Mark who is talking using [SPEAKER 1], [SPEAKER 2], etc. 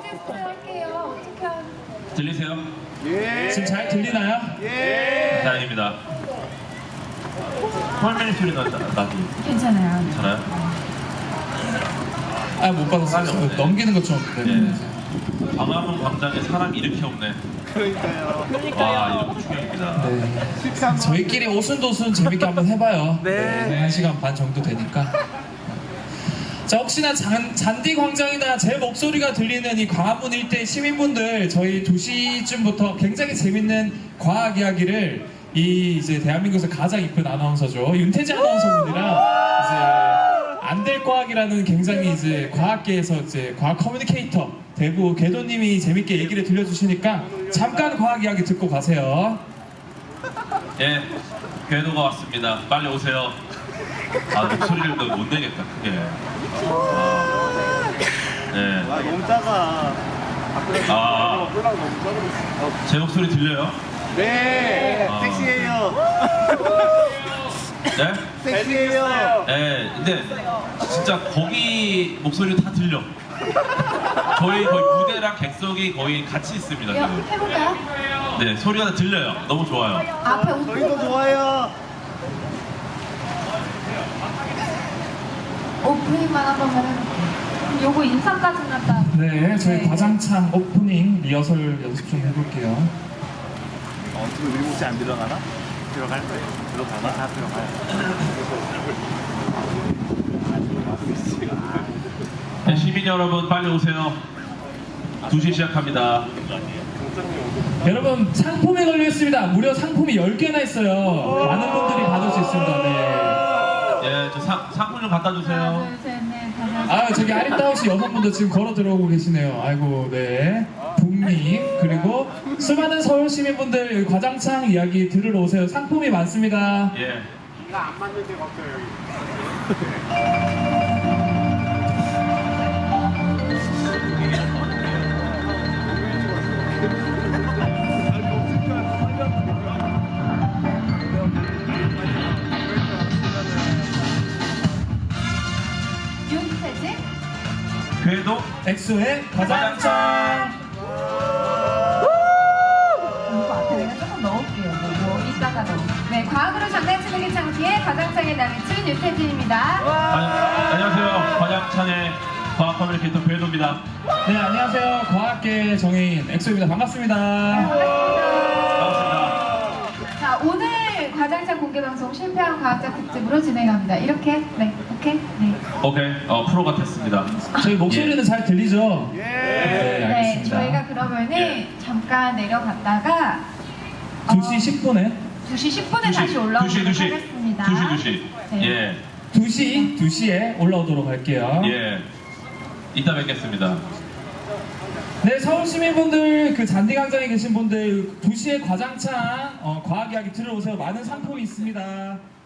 [SPEAKER 1] 테스트 할게요. 어떻게 하는?
[SPEAKER 2] 들리세요?
[SPEAKER 3] 예.
[SPEAKER 4] 지금 잘 들리나요?
[SPEAKER 3] 예.
[SPEAKER 2] 다행입니다. 헐맨 소리 나지?
[SPEAKER 1] 괜찮아요.
[SPEAKER 2] 괜찮아요?
[SPEAKER 4] 아, 못 받았어요.
[SPEAKER 2] 네.
[SPEAKER 4] 넘기는 것 좀.
[SPEAKER 2] 네. 광화문 광장에 사람이 이렇게 없네.
[SPEAKER 3] 그러니까요.
[SPEAKER 2] 와, 이런 충격입니다.
[SPEAKER 4] 네. 저희끼리 오순도순 재밌게 한번 해봐요.
[SPEAKER 3] 네.
[SPEAKER 4] 1시간 반 정도 되니까. 자, 혹시나 잔디 광장이나 제 목소리가 들리는 이 광화문 일대 시민분들, 저희 2시쯤부터 굉장히 재밌는 과학 이야기를 이제 대한민국에서 가장 이쁜 아나운서죠. 윤태지 아나운서분이랑 이제 안될 과학이라는 굉장히 이제 과학계에서 이제 과학 커뮤니케이터 대구 궤도님이 재밌게 얘기를 들려주시니까 잠깐 과학 이야기 듣고 가세요.
[SPEAKER 2] 예, 궤도가 왔습니다. 빨리 오세요. 아, 목소리를 또 못 내겠다, 크게. 네.
[SPEAKER 3] 와, 너무 작아.
[SPEAKER 2] 아, 제 목소리 들려요?
[SPEAKER 3] 네.
[SPEAKER 2] 아.
[SPEAKER 3] 섹시해요.
[SPEAKER 2] 네?
[SPEAKER 3] 섹시해요.
[SPEAKER 2] 네, 근데 진짜 거기 목소리 다 들려. 저희 거의 무대랑 객석이 거의 같이 있습니다, 지금.
[SPEAKER 1] 해볼까요?
[SPEAKER 2] 네, 소리가 다 들려요. 너무 좋아요.
[SPEAKER 1] 앞에 오픈.
[SPEAKER 3] 저희도 좋아요.
[SPEAKER 1] 오프닝만 한번 해볼게요. 요거 인상까지 났다.
[SPEAKER 4] 네, 저희 과장창 오프닝 리허설 연습 좀 해볼게요.
[SPEAKER 3] 지금 우리 목소리 안 들어가나? 들어갈 거예요. 들어가나? 다 들어가요.
[SPEAKER 2] 네, 시민 여러분 빨리 오세요. 2시 시작합니다.
[SPEAKER 4] 여러분, 상품에 걸려있습니다. 무려 상품이 10개나 있어요. 많은 분들이 받을 수 있습니다. 네.
[SPEAKER 2] 예, 저 상품 좀 갖다 주세요.
[SPEAKER 1] 하나, 둘, 셋, 넷, 다섯.
[SPEAKER 4] 아, 저기 아리따우시 여성분들 지금 걸어 들어오고 계시네요. 아이고, 네. 북님, 그리고 수많은 서울 시민분들 여기 과장창 이야기 들으러 오세요. 상품이 많습니다.
[SPEAKER 2] 예.
[SPEAKER 1] 윤태진?
[SPEAKER 2] 궤도
[SPEAKER 4] 엑소의 과장창.
[SPEAKER 1] 이거 앞에 내가 조금 넣을게요. 뭐 이따가 넣어. 네, 과학으로 장난치는 게 창피해 과장창의 남친 윤태진입니다.
[SPEAKER 2] 안녕하세요. 과장창의 과학 커뮤니케이터 궤도입니다.
[SPEAKER 4] 네, 안녕하세요. 과학계 정해인 엑소입니다. 반갑습니다.
[SPEAKER 2] 반갑습니다.
[SPEAKER 1] 자, 오늘 과장창 공개 방송 실패한 과학자 특집으로 진행합니다. 이렇게? 네, 오케이? 네.
[SPEAKER 2] 오케이, 프로가 됐습니다.
[SPEAKER 4] 저희 목소리는 잘 들리죠?
[SPEAKER 3] 예.
[SPEAKER 4] 네,
[SPEAKER 1] 네,
[SPEAKER 4] 알겠습니다.
[SPEAKER 1] 저희가 그러면은
[SPEAKER 2] 예.
[SPEAKER 1] 잠깐 내려갔다가
[SPEAKER 4] 2시 10분에
[SPEAKER 1] 2시 10분에 다시 올라오도록
[SPEAKER 2] 2시.
[SPEAKER 1] 하겠습니다.
[SPEAKER 2] 2시.
[SPEAKER 1] 네.
[SPEAKER 2] 예,
[SPEAKER 4] 2시에 올라오도록 할게요.
[SPEAKER 2] 예. 이따 뵙겠습니다.
[SPEAKER 4] 네, 서울 시민분들, 그 잔디광장에 계신 분들 2시에 과장창 과학 이야기 들어오세요. 많은 상품이 있습니다.